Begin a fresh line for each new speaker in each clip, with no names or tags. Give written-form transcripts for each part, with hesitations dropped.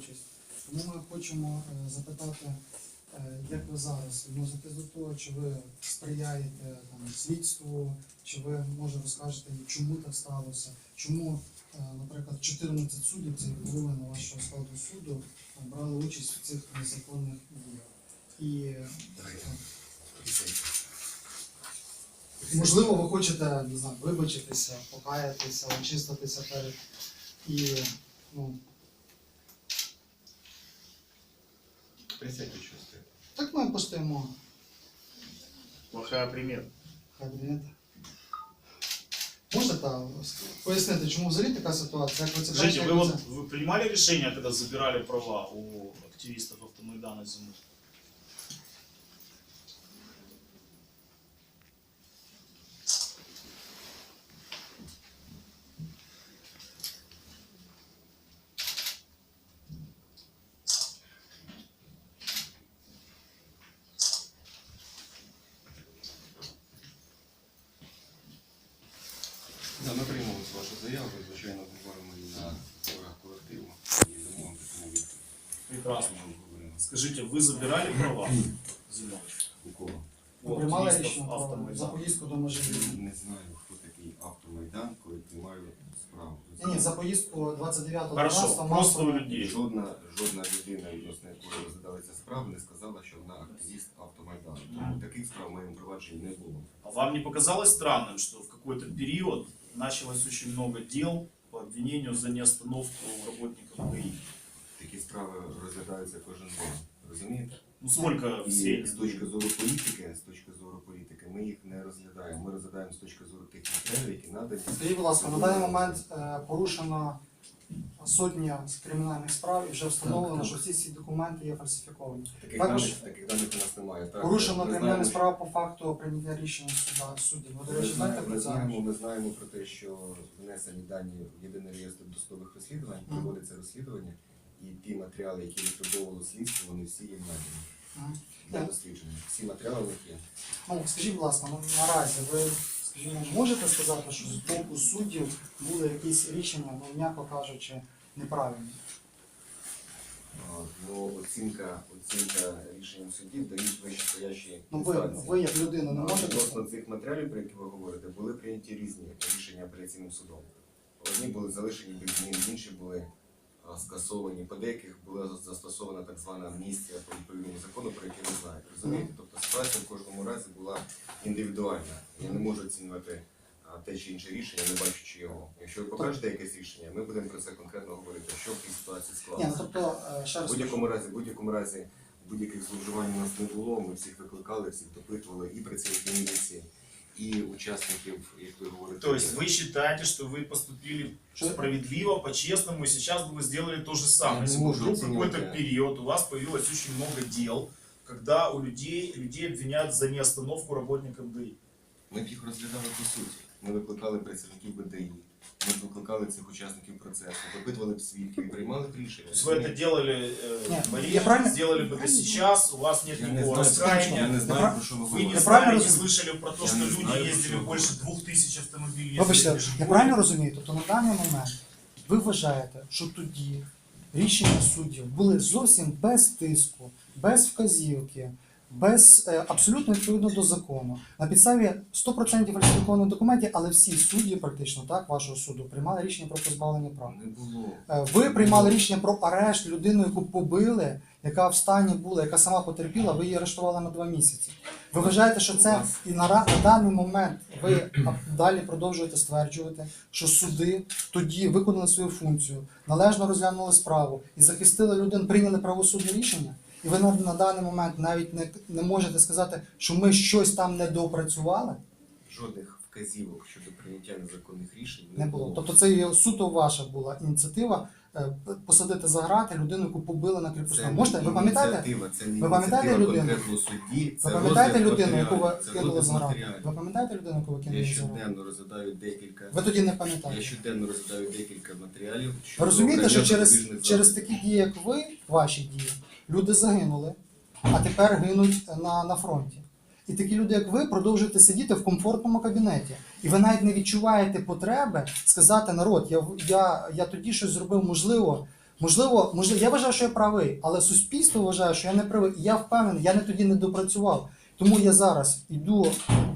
участь. Тому ми хочемо запитати, як ви зараз відноситесь до того, чи ви сприяєте там, слідству, чи ви, може, розкажете, чому так сталося, чому, наприклад, 14 суддів, це половина вашого складу суду, брали участь в цих незаконних діях. І можливо, ви хочете, не знаю, вибачитися, покаятися, очиститися перед і, ну...
Присядьте, що стоїть.
Так ми постоїмо.
Плохая примета.
Кабінет. Можете пояснити, чому взагалі така ситуація? Як ви це
Скажите,
бачите,
вы,
як
вот,
це?
вы принимали решение, когда забирали права у активистов Автомайдана зимой?
Да, ми приймемо вашу заяву, звичайно, говоримо і на зборах колективу і дамо вам таку відповідь.
Прекрасно. Скажите, вы забирали права зимой?
У кого?
Ви
У
приймали
активистов
рішення про за
Автомайдана?
поїздку до Межигір'я?
Не знаю, хто такий Автомайдан, коли приймаю справу.
Ні, за поїздку 29-го
Хорошо, просто у людей.
Жодна людина, відносно якої розглядалася справа, не сказала, що вона активіст Автомайдану. Тому таких справ в моєму провадженні не було.
А вам не показалось странным, что в какой-то период началось очень много дел по обвинению за неостановку работников ГАИ?
Такі справи розглядаються кожен день. Розумієте?
Ну сколько в
І з
среднем?
точки зору політики, ми їх не розглядаємо. Ми розглядаємо з точки зору тих матеріалів, які надані.
Скажіть, будь ласка, на даний момент порушено сотня кримінальних справ і вже встановлено,
Так.
що всі ці документи є фальсифіковані.
Таких
Також
даних у нас немає. Так,
порушено
ми
кримінальні
знаємо,
справи по факту прийняття рішення суддів. Ви, до речі, знаєте про це?
Ми знаємо про те, що внесені дані в єдиний реєстр досудових розслідувань, проводиться розслідування, і ті матеріали, які витребовували слідство, вони всі є надані для дослідження. Всі матеріали в них є.
Ну, скажіть, будь ласка, наразі ви, скажімо, можете сказати, що з боку суддів були якісь рішення, ну, м'яко кажучи, неправильні?
Ну, оцінка рішенням судів дають вищестоящі
Ну,
інстанції.
ви як людина не можете?
Відносно цих матеріалів, про які ви говорите, були прийняті різні рішення апеляційним судом. Одні були залишені без змін, інші були скасовані. По деяких була застосована так звана амністія по відповідному закону, про який ви знаєте. Розумієте? Тобто ситуація в кожному разі була індивідуальна. Я не можу оцінювати те чи інше рішення, не бачучи його. Якщо ви покажете якесь рішення, ми будемо про це конкретно говорити, що в цій ситуації
Ні, ну
склалося.
тобто, ще раз
В будь-якому разі будь-яких зловживань у нас не було, ми всіх викликали, всіх допитували, і працівників міліції, і учасників, як ви говорите.
То есть вы считаете, что вы поступили справедливо, по-честному, и сейчас бы вы сделали то же самое.
Я
Если
не
бы
могу
вдруг
оценивать,
какой-то
да.
период у вас появилось очень много дел, когда у людей обвиняют за неостановку работников ГАИ.
Ми б їх розглядали по суті. Ми викликали працівників БДІ, ми викликали цих учасників процесу, допитували б свідків і приймали б рішення.
То есть вы это делали
Нет,
Мария,
я правильно-
сделали бы это сейчас, у вас нет
Я не
никакого
знаю, я
раскаяния,
не знаю, про що ви
вы не
говорите.
знали, не
разумею.
слышали про то,
Я
что
не
люди
знаю, про
ездили
що
больше
ви
2000 автомобилей.
Вибачте,
ездили
я
ежегодно.
правильно розумію? Тобто на даний момент ви вважаєте, що тоді рішення суддів були зовсім без тиску, без вказівки, без абсолютно відповідно до закону. На підставі 100% фальсифікованих документів, але всі судді практично так вашого суду приймали рішення про позбавлення прав.
Не було.
Ви приймали рішення про арешт людину, яку побили, яка в стані була, яка сама потерпіла, ви її арештували на 2 місяці. Ви вважаєте, що це і на даний момент ви далі продовжуєте стверджувати, що суди тоді виконали свою функцію, належно розглянули справу і захистили людину, прийняли правосудне рішення? І ви на даний момент навіть не можете сказати, що ми щось там не доопрацювали?
Жодних вказівок щодо прийняття незаконних рішень
Не було. Тобто це є суто ваша була ініціатива посадити за грати людину, яку побили на кріпосному. Можете? Ви пам'ятаєте?
Ви
пам'ятаєте людину?
конкретного судді.
Ви пам'ятаєте людину, яку ви
Це
кинули
розгляд
за грати?
матеріалів.
Ви пам'ятаєте людину, яку ви
Я
кинули за грати?
щоденно розглядаю декілька.
Ви тоді не
Я
пам'ятаєте.
щоденно розглядаю декілька матеріалів.
Ви
щодо
розумієте, що
обрання
через
запобіжних заходів.
такі дії, як ви, ваші дії, люди загинули, а тепер гинуть на фронті. І такі люди, як ви, продовжуєте сидіти в комфортному кабінеті. І ви навіть не відчуваєте потреби сказати: народ, я тоді щось зробив, Можливо, я вважаю, що я правий, але суспільство вважає, що я не правий. І я впевнений, я тоді не допрацював. Тому я зараз йду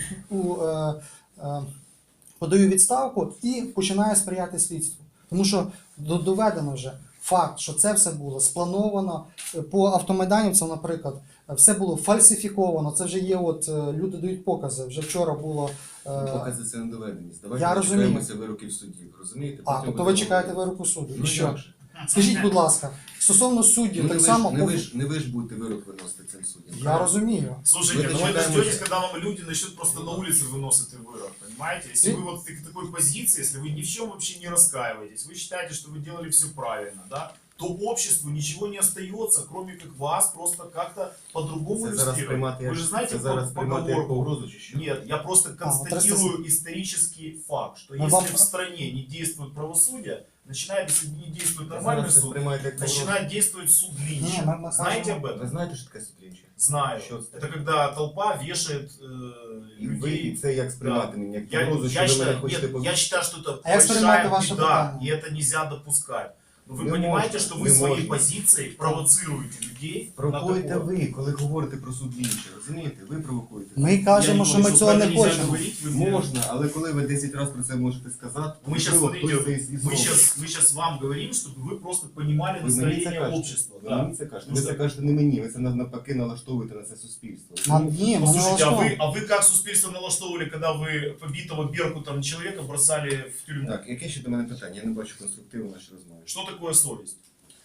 подаю відставку і починаю сприяти слідству. Тому що доведено вже факт, що це все було сплановано. По автомайданівцям, наприклад, все було фальсифіковано. Це вже є, люди дають покази. Вже вчора було.
Покази це недоведеність. Давайте
Я розумію.
дочекаємося вироків судів. Розумієте?
А,
Потім
тобто ви
будемо
чекаєте
говорити.
вироку суду.
Ну,
І що?
як же?
Скажіть, будь ласка, стосовно суддів,
Ну,
так само.
не ви ж будете вирок виносити цим суддям.
Я розумію.
Слушайте,
Вы
ну вы
дочитаемся.
дождетесь, когда вам люди начнут просто на улице выносить вырок, понимаете? Если вы вот в такой позиции, если вы ни в чем вообще не раскаиваетесь, вы считаете, что вы делали все правильно, да, то обществу ничего не остается, кроме как вас просто как-то по-другому
Це зараз
иллюстрировать.
приймати
Вы же знаете
це зараз приймати як
поговорку?
погрозу чи що?
Нет, я просто констатирую исторический факт, что
Но
если
вам-
в стране не действует правосудие, начинает, если не действует нормальный
Зараз це
суд,
приймаєте як погрозу.
начинает действовать суд
Не,
Линча.
мы
Знаете об
Ви
этом?
знаєте, що таке суд Лінча?
Знаю.
Что это?
Это когда толпа вешает
І ви і
людей.
це як сприймати мені, як
Я,
погрозу, що
я,
ви мене
считаю,
хочете
нет,
побити?
я считаю, что это
А як сприймати
большая
ваше
беда,
питання?
и это нельзя допускать. Но вы
Не
понимаете,
можно,
что вы
не
своей
можно.
позицией провоцируете людей на
Провокуєте
такое.
ви, коли говорите про суд Лінча, розумієте? Ви провокуєте.
Ми кажемо,
Я
що
не
ми
говорю,
цього
что
не
про это нельзя
хочемо.
говорить, вы-
Можна, але коли ви 10 разів про це можете сказати,
Мы сейчас,
можливо,
смотрите,
хтось це і
мы
зробить.
сейчас вам говорим, чтобы вы просто понимали
Ви мені це
настроение
кажете.
общества.
Ви
Да.
мені це кажете.
Ну,
Ви
що?
це кажете не мені, ви це навпаки налаштовуєте на це суспільство.
Ні, ми не
Послушайте,
налаштовуємо.
а вы как суспільство налаштовывали, когда вы побитого Беркутом человека бросали в тюрьму?
Так, яке ще до мене питання? Я не бачу конструктиву в нашій розмові.
Что такое совесть?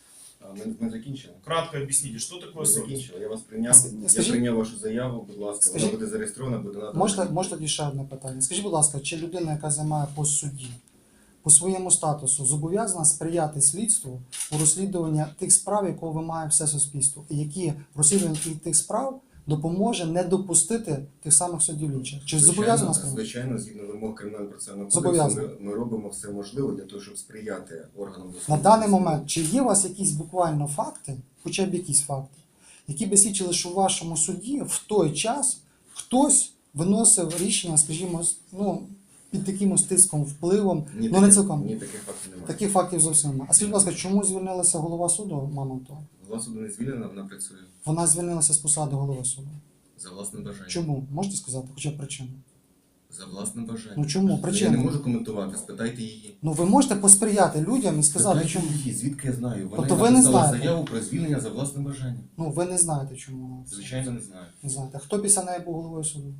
Ми закінчили?
Кратко объясните, что такое
Ми
совесть?
закінчили. Я вас прийняв.
Скажіть-
Я прийняв вашу заяву, будь ласка,
Скажіть-
вона буде зареєстрована, буде надана.
Можна тоді ще одне питання. Скажіть, будь ласка, чи людина, яка займає пост судді, по своєму статусу зобов'язана сприяти слідству у розслідуванні тих справ, якого вимагає все суспільство, і які розслідування тих справ допоможе не допустити тих самих суддів Лінча? Чи зобов'язана сприяти?
Звичайно, згідно вимог кримінального процесуального
Зобов'язана.
кодексу, ми робимо все можливе для того, щоб сприяти органам
На
досудового
даний
розслідування.
момент, чи є у вас якісь буквально факти, хоча б якісь факти, які би свідчили, що в вашому суді в той час хтось виносив рішення, скажімо, під таким тиском, впливом,
Ні,
не цілком.
Ні, таких фактів немає.
Таких фактів зовсім немає. А скажіть, будь ласка, чому звільнилася голова суду Мамонтова?
Голова суду не звільнена, вона працює
Вона звільнилася з посади голови суду.
за власним бажанням.
Чому? Можете сказати, хоча б причину?
За власним бажанням.
Ну чому?
Я не
Причину?
можу коментувати, спитайте її.
Ну ви можете посприяти людям і сказати,
Спитайте
чому.
її, звідки я знаю. Вона
Тобто ви не
написала
знаєте?
заяву про звільнення за власним бажанням.
Ну ви не знаєте, чому вона це.
Звичайно, не знаю.
Не знаєте. Хто після неї був головою суду?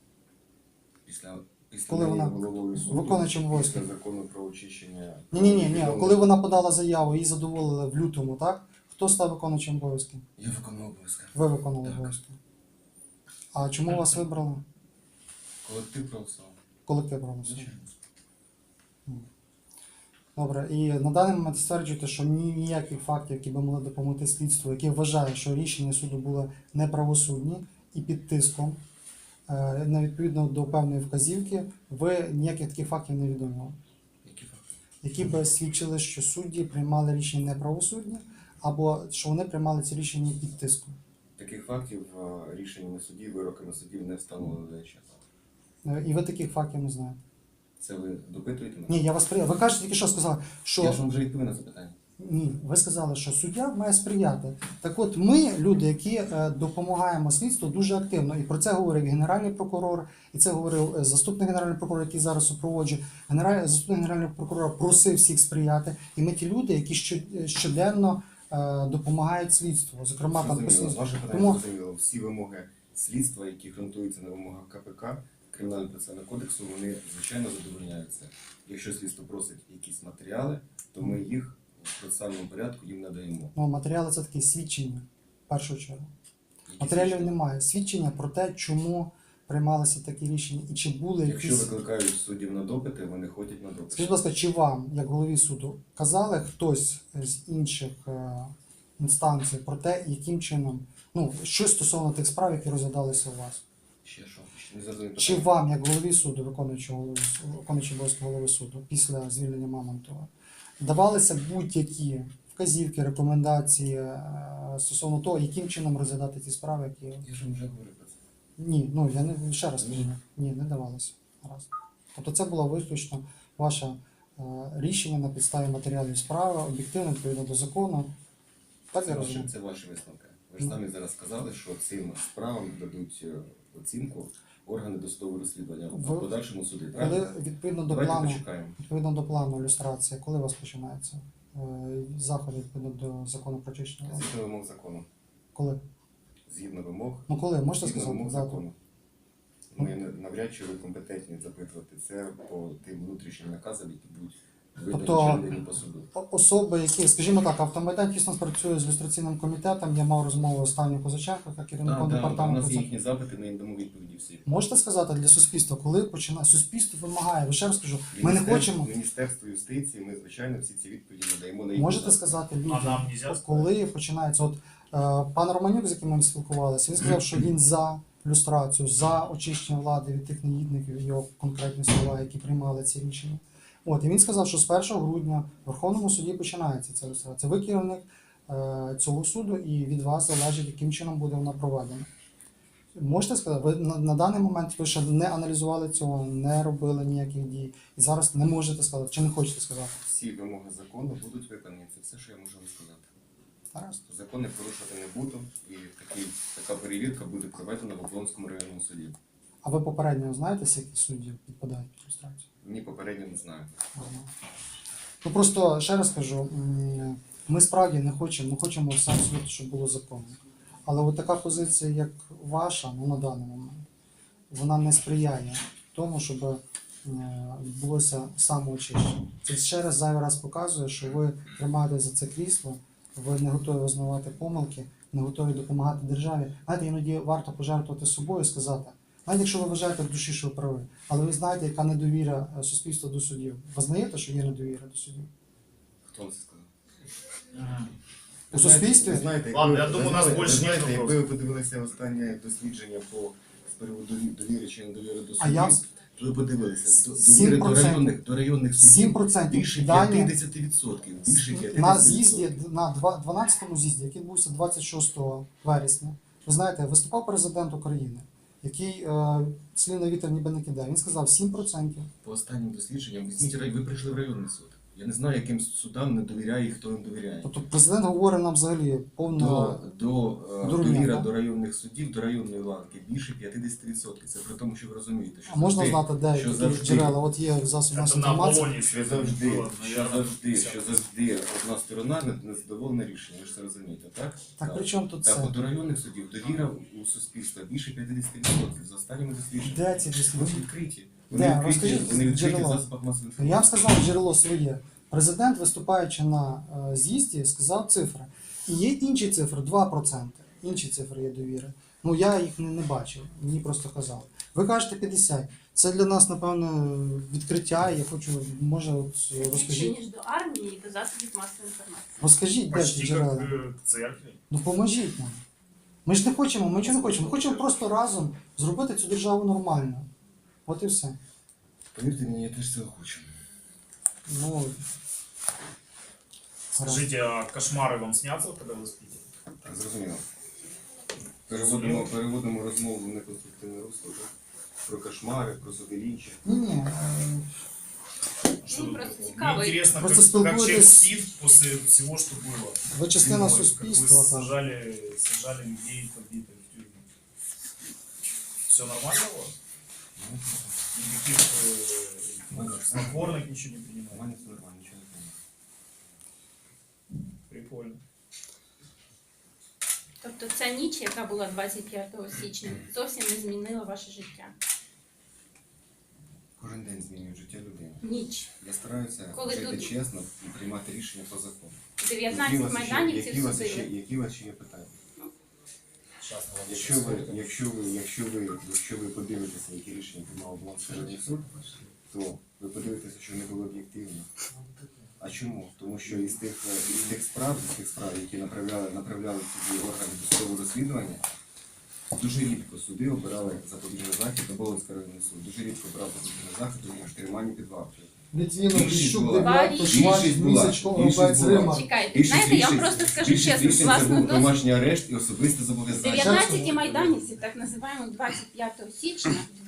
Після
Коли
неї
вона
головою суду,
виконуючим обов'язки.
після закону про очищення.
Ні. Коли вона подала заяву, її задоволили в лютому, так? Хто став виконуючим обов'язки?
Я виконував обов'язки.
Ви виконали
Так.
обов'язки. А чому вас вибрали?
Колектив проголосував.
Колектив проголосував.
Звичайно.
Добре, і на даний момент стверджуєте, що ніяких фактів, які би могли допомогти слідству, яке вважає, що рішення суду були неправосудні і під тиском, не відповідно до певної вказівки, ви ніяких таких фактів не відомили,
Які факти?
які б свідчили, що судді приймали рішення неправосудні, або що вони приймали ці рішення під тиском.
Таких фактів рішеннями судів, вироками судів не встановлено до часу.
І ви таких фактів не знаєте.
Це ви допитуєте мене?
Ні, я вас прияв. Ви кажете тільки що сказали, що
Я ж вам вже відповів на запитання.
ні, ви сказали, що суддя має сприяти. Так от ми, люди, які допомагаємо слідству, дуже активно. І про це говорив Генеральний прокурор, і це говорив заступник Генерального прокурора, який зараз супроводжує. Заступник Генерального прокурора просив всіх сприяти. І ми ті люди, які щоденно допомагають слідству. Зокрема, там по
Зрозуміло.
слідству.
Ваше питання
Тому
зрозуміло. Всі вимоги слідства, які ґрунтуються на вимогах КПК, Кримінального процесуального кодексу, вони, звичайно, задовольняються. Якщо слідство просить якісь матеріали, то ми їх в процесуальному порядку їм надаємо.
матеріали це такі свідчення, в першу чергу.
Які
Матеріалів
свідчення?
немає. Свідчення про те, чому приймалися такі рішення і чи були
Якщо
якісь.
викликають суддів на допити, вони ходять на допити.
Скажіть, будь ласка, чи вам, як голові суду, казали хтось з інших інстанцій про те, яким чином, щось стосовно тих справ, які розглядалися у вас?
Ще що? Ще не зрозумів
Чи
питання.
вам, як голові суду, виконуючого обов'язки голови суду після звільнення Мамонтова, давалися будь-які вказівки, рекомендації стосовно того, яким чином розглядати ті справи, які.
Я ж вам вже говорив про це.
Ні, я не ще раз кажу. Ні, не давалося. Раз. Тобто це була виключно ваша рішення на підставі матеріалів справи, об'єктивно, відповідно до закону. Так я
Це
розумію?
ваші, це ваші висновки. Ви ж самі зараз сказали, що цим справам дадуть оцінку органи досудового розслідування
Ви-
в подальшому суді.
Коли
Правильно?
відповідно до
Давайте
плану,
почекаємо.
відповідно до плану ілюстрації, коли у вас починається заходи відповідно до закону про очищення влади?
Згідно вимог закону.
Коли?
Згідно вимог.
Ну коли? Можете
Згідно
сказати
вимог
дату?
закону. Ми навряд чи ви компетентні запитувати це по тим внутрішнім наказам, які будуть видані
Тобто,
передані по суду.
Особи, які, скажімо так, Автомайдан тісно спрацює з люстраційним комітетом. Я мав розмову з Танею Козаченко, як керівником
У
департаменту.
нас є їхні запити, ми їм дамо відповіді всі.
Можете сказати для суспільства, коли починає суспільство вимагає? Ви ще раз кажу, ми не хочемо.
Міністерство юстиції, ми, звичайно, всі ці відповіді надаємо на
Можете
запити.
сказати
А
людям,
нам нельзя сказать?
коли починається? От пан Романюк, з яким ми спілкувалися, він сказав, що він за люстрацію, за очищення влади від тих негідників, його конкретні слова, які приймали ці рішення. От, і він сказав, що з 1 грудня в Верховному суді починається ця люстрація. Ви керівник цього суду, і від вас залежить, яким чином буде вона проведена. Можете сказати, ви на даний момент ви ще не аналізували цього, не робили ніяких дій, і зараз не можете сказати, чи не хочете сказати?
Всі вимоги закону будуть виконані. Це все, що я можу вам сказати.
Гаразд.
Закони порушувати не буду, і така перевірка буде проведена в Оболонському районному суді.
А ви попередньо знаєте, які судді підпадають під люстрацію?
Ні, попередньо не знаю.
Ага. Ну просто ще раз кажу, ми справді не хочемо сам суд, щоб було законно. Але от така позиція, як ваша, ну на даний момент, вона не сприяє тому, щоб відбулося самоочищення. Це ще раз зайвий раз показує, що ви тримаєте за це крісло, ви не готові визнавати помилки, не готові допомагати державі. Знаєте, іноді варто пожертвувати собою і сказати, навіть якщо ви вважаєте в душі, що ви праві, але ви знаєте, яка недовіра суспільства до судів. Ви знаєте, що є недовіра до судів?
Хто вам це сказав?
У суспільстві?
Ви знаєте,
Ладно,
якби-
я думаю,
ви
у нас
знаєте,
більше
ви знаєте,
ні
якби ви подивилися останнє дослідження з приводу довіри чи недовіри до
А я-
судів, то ви подивилися, довіри
7%.
до районних судів
7%
більше
дані
50%. Більше 50%.
на з'їзді, на 12-му з'їзді, який відбувся 26 вересня, ви знаєте, виступав президент України, який слів на вітер ніби не кидає. Він сказав 7%.
По останнім дослідженням, візьміть, ви прийшли в районний суд. Я не знаю, яким судам не довіряє і хто їм довіряє.
Тобто президент говорить нам взагалі повно дурня,
Довіра
да?
до районних судів, до районної ланки більше 50%. Це при тому, що ви розумієте, що
А можна знати, де
що
які
завжди-
джерела? От є засоб
Это
масової
на
інформації.
Аполлоне
що завжди,
было, наверное, 50%.
що завжди одна сторона не задоволена рішенням. Ви ж це розумієте, так?
Так при чому тут
Так,
це?
от до районних судів довіра у суспільства більше 50%. За останніми дослідженнями.
Де ці
Вони
дослідження?
відкриті.
Де? Розкажіть
Вони відкриті в
джерела.
засобах масової
Ну, я вам
інформації.
сказав джерело своє. Президент, виступаючи на з'їзді, сказав цифри. І є інші цифри, 2%. Інші цифри є довіри. Ну я їх не бачив, мені просто казали. Ви кажете 50. Це для нас, напевно, відкриття. Я хочу, може, от
Більше,
розкажіть.
ніж до армії і до засобів масової інформації.
Розкажіть, де ці
Почти как
джерела.
к церкви.
Ну поможіть нам. Ми ж не хочемо, ми нічого не хочемо. Ми хочемо просто разом зробити цю державу нормально. От і все.
Повірте мені, я теж цього хочу.
Ну, гаразд.
Скажите, а кошмары вам снятся, когда вы спите?
Так, зрозуміло. Переводимо розмову в неконструктивне русло, так? Про кошмари, про судилінчі.
Ні.
Что
Ну,
тут
просто
такого?
цікаво.
Мне интересно,
Просто
как человек
спілкуєтесь-
спит после всего, что было.
Ви частина
Зимой, как
суспільства.
вы
Там.
сажали людей побитых в тюрьму. Все нормально у вас? Никаких снотворных ничего не принимаете?
Нормально, все нормально, нічого не знаю.
Прикольно.
Тобто ця ніч, яка була 25 січня, зовсім не змінила ваше життя.
Кожен день змінює життя людини.
Ніч.
Я стараюся
Коли
жити
тут-
чесно і приймати рішення по закону.
19 майданівців судили.
Які у вас ще є питання?
Сейчас мы вам
Якщо ви подивитеся, які рішення приймав Оболонський районний суд, то ви подивитеся, що не було об'єктивно. А чому? Тому що із тих справ, які направляли в суді органи досудового розслідування, дуже рідко суди обирали запобіжний захід, Оболонський районний суд дуже рідко обирав запобіжний захід у триманні під вартою.
Літвінов,
Більшість
Ліщук,
була.
Дев'ятко, Швач,
Більшість була.
Місячко,
Більшість
Рубець,
була.
Рима.
Чекайте, знаєте, я вам просто скажу чесно, з
рішень це
власного
був
досвіду.
домашній арешт і особисте зобов'язання.
19 майданівців, так називаємо 25 січня,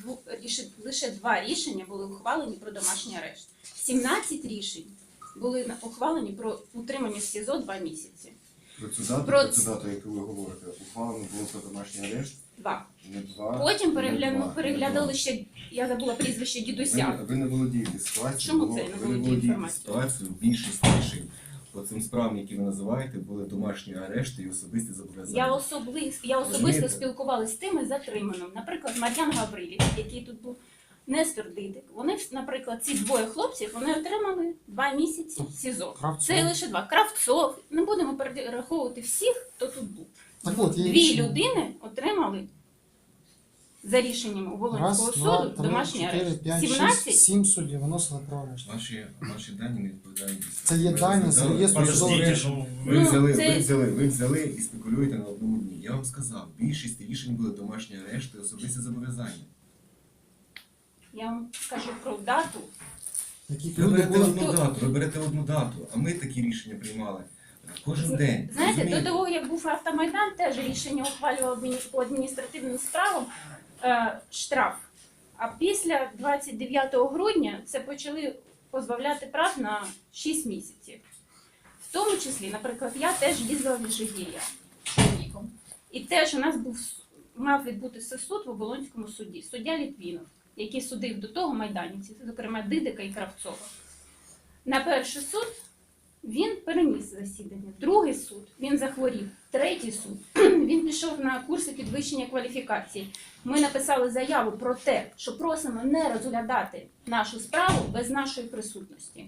лише 2 рішення були ухвалені про домашній арешт. 17 рішень були ухвалені про утримання в СІЗО 2 місяці.
Про цю дату,
Про
про цю дату, яку ви говорите, ухвалено було про домашній арешт,
2.
не 2.
Потім
не два,
переглядали
не
ще, я забула прізвище
два.
дідуся.
Ви не володієте ситуацією,
Чому
бо
це я не
ви не
володію
володієте
інформацією?
ситуацією, більшість рішень по цим справам, які ви називаєте, були домашні арешти і особисті зобов'язання.
Я особисто
Розумієте?
спілкувалася з тими затриманими. Наприклад, Мар'ян Гаврилів, який тут був, Нестор Дидик. Вони, наприклад, ці 2 хлопців, вони отримали 2 місяці СІЗО.
Кравцов.
Це лише 2. Кравцов. Не будемо перераховувати всіх, хто тут був.
Так от, є
2
рішення.
людини отримали за рішенням Волинського суду домашній арешт. 17
7 суддів виносили про арешт.
Ваші дані не відповідають дійсності.
Це є
Ви
дані з
розглядали-
реєстру
Подождите,
судового.
ну,
Ви взяли і спекулюєте на одному дні. Я вам сказав, більшість рішень були домашні арешти і особисті зобов'язання.
Я вам скажу про дату.
Яких
Ви
люди
берете
були.
одну дату, а ми такі рішення приймали кожен день.
Знаєте,
розумієте?
до того, як був автомайдан, теж рішення ухвалював по адміністративним справам штраф. А після 29 грудня це почали позбавляти прав на 6 місяців. В тому числі, наприклад, я теж їздила в Жигір'я чоловіком. І теж у нас мав відбутися суд в Оболонському суді. Суддя Літвінов, який судив до того майданівців, зокрема Дидика і Кравцова. На перший суд він переніс засідання. Другий суд він захворів. Третій суд він пішов на курси підвищення кваліфікації. Ми написали заяву про те, що просимо не розглядати нашу справу без нашої присутності.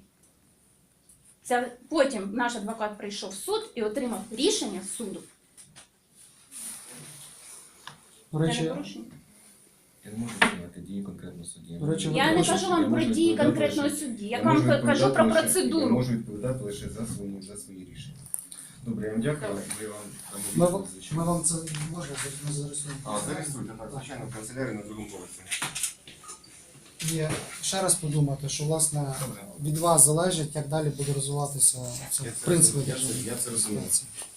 Потім наш адвокат прийшов в суд і отримав рішення суду.
До
Це
речі,
не порушення.
Я не можу приймати дії конкретного судді.
До речі,
Я не
можу-
кажу вам про дії конкретного судді, я вам кажу про
Я
процедуру.
можу відповідати лише за свої рішення. Добре, я вам дякую. Я вам
Ми,
дамо відповідь, звичайно.
ми вам це можна зареєструвати.
Зареєструйте, так, звичайно, в канцелярії на другому поверсі.
І ще раз подумати, що власне від вас залежить, як далі буде розвиватися це, в принципі,
Я це розумію.
ситуація.